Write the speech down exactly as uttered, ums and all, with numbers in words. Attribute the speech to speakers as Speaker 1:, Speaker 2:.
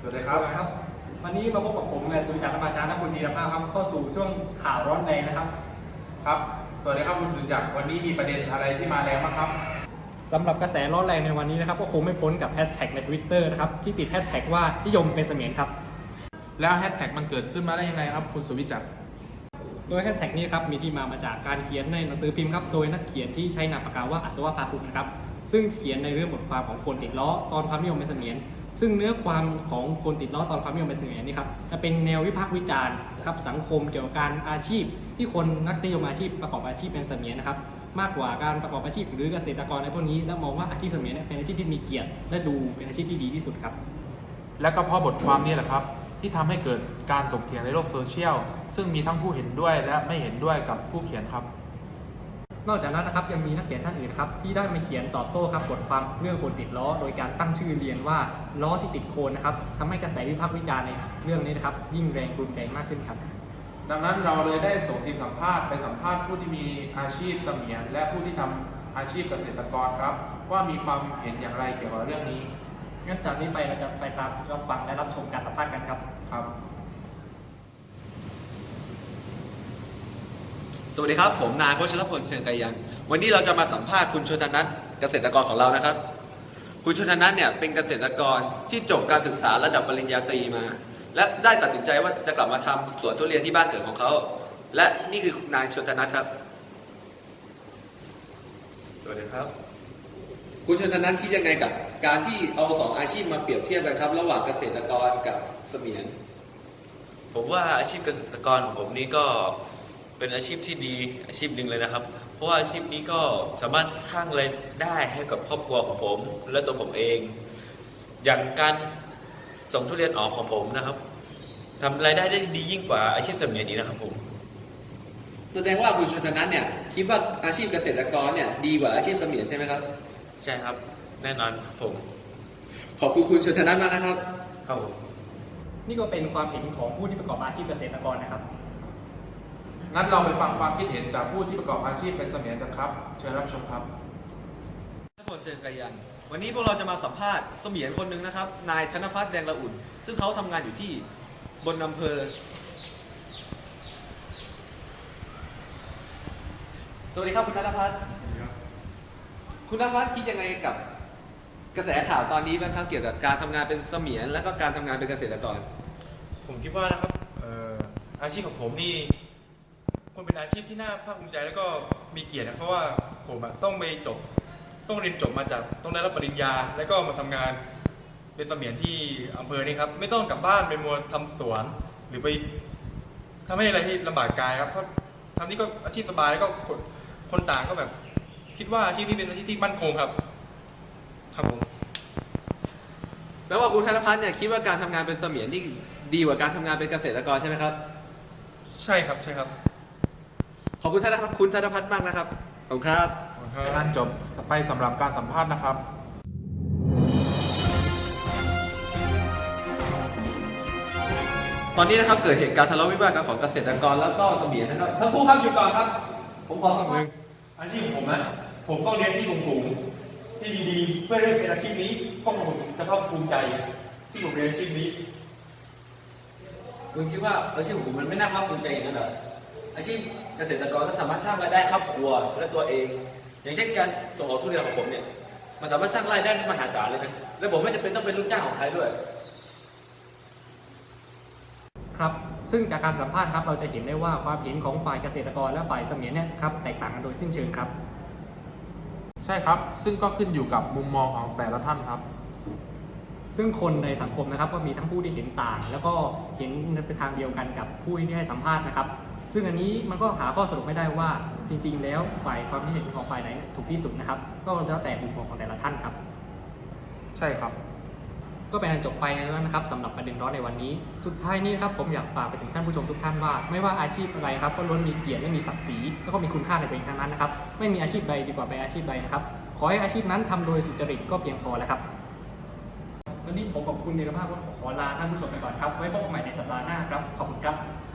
Speaker 1: วัสดีครับ
Speaker 2: ครับวันนี้มาพบกับผมนายสุวิจักรประชาและคุณธีรภาพครับเข้าสู่ช่วงข่าวร้อนแรงนะครับ
Speaker 1: ครับสวัสดีครับคุณสุจักรวันนี้มีประเด็นอะไรที่มาแรงบ้างครับ
Speaker 2: สำหรับกระแสร้อนแรงในวันนี้นะครับก็คงไม่พ้นกับแฮชแท็กใน ทวิตเตอร์ นะครับที่ติดแฮชแท็กว่านิยมเป็นเสมียนครับ
Speaker 1: แล้วแฮชแท็กมันเกิดขึ้นมาได้ยังไงครับคุณสุวิจักร
Speaker 2: โดยแฮชแท็กนี้ครับมีที่มามาจากการเขียนในหนังสือพิมพ์ครับโดยนักเขียนที่ใช้นามปากกาว่าอัศวภาคุมนะครับซึ่งเขียนในเรื่องบทความของคนติดล้อตอนความนิยมเป็นเสมียนซึ่งเนื้อความของคนติดล้อตอนความนิยมเป็นเสมียนนี่ครับจะเป็นแนววิพากษ์วิจารณ์ครับสังคมเกี่ยวกับการอาชีพที่คนนักนิยมอาชีพประกอบอาชีพเป็นเสมียนนะครับมากกว่าการประกอบอาชีพหรือเกษตรกรในพวกนี้และมองว่าอาชีพเสมียนเป็นอาชีพที่มีเกียรติและดูเป็นอาชีพที่ดีที่สุดครับ
Speaker 1: และก็เพราะบทความนี้แหละครับที่ทำให้เกิดการถกเถียงในโลกโซเชียลซึ่งมีทั้งผู้เห็นด้วยและไม่เห็นด้วยกับผู้เขียนครับ
Speaker 2: นอกจากนั้นนะครับยังมีนักเขียนท่านอื่นครับที่ได้มาเขียนตอบโต้ครับบทความเรื่องคนติดล้อโดยการตั้งชื่อเรียนว่าล้อที่ติดโคนนะครับทำให้กระแสวิพากษ์วิจารณ์ในเรื่องนี้นะครับยิ่งแรงรุนแรงมากขึ้นครับ
Speaker 1: ดังนั้นเราเลยได้ส่งทีมสัมภาษณ์ไปสัมภาษณ์ผู้ที่มีอาชีพเสมียนและผู้ที่ทำอาชีพเกษตรกรครับว่ามีความเห็นอย่างไรเกี่ยวกับเรื่องนี้
Speaker 2: งั้นจากนี้ไปเราจะไปตามรับฟังและรับชมการสัมภาษณ์กันครับ
Speaker 1: ครับ
Speaker 3: สวัสดีครับผมนายโคชรพลเชิงไกยังวันนี้เราจะมาสัมภาษณ์คุณชนนัทเกษตรกรของเรานะครับคุณชนนัทเนี่ยเป็นเกษตรกรที่จบการศึกษาระดับปริญญาตรีมาและได้ตัดสินใจว่าจะกลับมาทำสวนทุเรียนที่บ้านเกิดของเขาและนี่คือนายชนนัทครับ
Speaker 4: สวัสดีครับ
Speaker 3: คุณชนนัทคิดยังไงกับการที่เอาสองอาชีพมาเปรียบเทียบกันครับระหว่างเกษตรกรกับเสมียน
Speaker 4: ผมว่าอาชีพเกษตรกรของผมนี้ก็เป็นอาชีพที่ดีอาชีพหนึ่งเลยนะครับเพราะว่าอาชีพนี้ก็สามารถสร้างรายได้ให้กับครอบครัวของผมและตัวผมเองอย่างการส่งทุเรียนออกของผมนะครับทำรายได้ได้ดียิ่งกว่าอาชีพเสมียนนี้นะครับผม
Speaker 3: แสดงว่าคุณชนนัทเนี่ยคิดว่าอาชีพเกษตรกรเนี่ยดีกว่าอาชีพเสมียนใช่ไหมครับ
Speaker 4: ใช่ครับแน่นอนครับผม
Speaker 3: ขอบคุณคุณชนนัทมากนะครับ
Speaker 4: ครับผม
Speaker 2: นี่ก็เป็นความเห็นของผู้ที่ประกอบอาชีพเกษตรกรนะครับ
Speaker 1: งั้นเราไปฟังความคิดเห็นจากผู้ที่ประกอบอาชีพเป็นเสมียนกันครับเชิญรับชมครับ
Speaker 3: ธนพลเชิงไกยันวันนี้พวกเราจะมาสัมภาษณ์เสมียนคนหนึ่งนะครับนายธนพัฒน์แดงละอุ่นซึ่งเขาทำงานอยู่ที่บนอำเภอสวัสดีครับคุณธนพัฒน์คุณธนพัฒน์คิดยังไงกับกระแสข่าวตอนนี้บ้างครับเกี่ยวกับการทำงานเป็นเสมียนและก็การทำงานเป็นเกษตรกร
Speaker 5: ผมคิดว่านะครับอาชีพของผมนี่ควรเป็นอาชีพที่น่าภาคภูมิใจแล้วก็มีเกียรตินะเพราะว่าผมต้องไปจบต้องเรียนจบมาจากต้องได้รับปริญญาแล้วก็มาทำงานเป็นเสมียนที่อำเภอนี่ครับไม่ต้องกลับบ้านไปมัวทำสวนหรือไปทำให้อะไรที่ลำบากกายครับเพราะทำนี่ก็อาชีพสบายแล้วก็คนคนต่างก็แบบคิดว่าอาชีพนี้เป็นอาชีพที่มั่นคงครับครับผม
Speaker 3: แปลว่าคุณธนพัฒน์เนี่ยคิดว่าการทำงานเป็นเสมียนนี่ดีกว่าการทำงานเป็นเกษตรกรใช่ไหมครับ
Speaker 5: ใช่ครับใช่ครับ
Speaker 3: ขอบคุณธนพัฒน์คุณธนพัฒน์มากนะครับขอบคุณครับ
Speaker 1: เป็นการจบไปสำหรับการสัมภาษณ์นะครับ
Speaker 3: ตอนนี้นะครับเกิดเหตุการณ์ทะเลาะวิวาทกันของเกษตรกรแล้วก็เสมียนนะครับทั้งคู่ครับอยู่ก่อนครับผมขอสัมภาษณ์
Speaker 5: อาชีพของผมนะผมต้องเรียนที่สูงๆที่ดีๆเพื่อได้เป็นอาชีพนี้ครอบครัวผมจะภาคภูมิใจที่ผมเรียนอาชีพนี้
Speaker 6: คุณคิดว่าอาชีพของผมมันไม่น่าภาคภูมิใจอย่างนั้นเหรออาชีพเกษตรกรก็สามารถสร้างรายได้ครอบครัวและตัวเองอย่างเช่นการส่งออกทุเรียนของผมเนี่ยมันสามารถสร้างรายได้มหาศาลเลยนะและผมไม่จำเป็นต้องเป็นลูกจ้างของใครด้วย
Speaker 2: ครับซึ่งจากการสัมภาษณ์ครับเราจะเห็นได้ว่าความเห็นของฝ่ายเกษตรกรและฝ่ายเสมียนเนี่ยครับแตกต่างกันโดยสิ้นเชิงครับ
Speaker 1: ใช่ครับซึ่งก็ขึ้นอยู่กับมุมมองของแต่ละท่านครับ
Speaker 2: ซึ่งคนในสังคมนะครับก็มีทั้งผู้ที่เห็นต่างแล้วก็เห็นในทางเดียวกันกับผู้ที่ให้สัมภาษณ์นะครับซึ่งอันนี้มันก็หาข้อสรุปไม่ได้ว่าจริงๆแล้วฝ่ายความคิดเห็นของฝ่ายไหนถูกที่สุดนะครับก็แล้วแต่มุมมองของแต่ละท่านครับ
Speaker 1: ใช่ครับ
Speaker 2: ก็เป็นอันจบไปแล้วนะครับสำหรับประเด็นร้อนในวันนี้สุดท้ายนี้ครับผมอยากฝากไปถึงท่านผู้ชมทุกท่านว่าไม่ว่าอาชีพอะไรครับก็ล้วนมีเกียรติและมีศักดิ์ศรีแล้วก็มีคุณค่าในตัวเองทั้งนั้นนะครับไม่มีอาชีพใดดีกว่าไปอาชีพใดนะครับขอให้อาชีพนั้นทำโดยสุจริตก็เพียงพอแล้วครับวันนี้ผมกับคุณธีรภาพก็ขอลาท่านผู้ชมไปก่อนครับไว้พบกันใหม่ในสัปดาห์หน้าครับขอบคุณครับ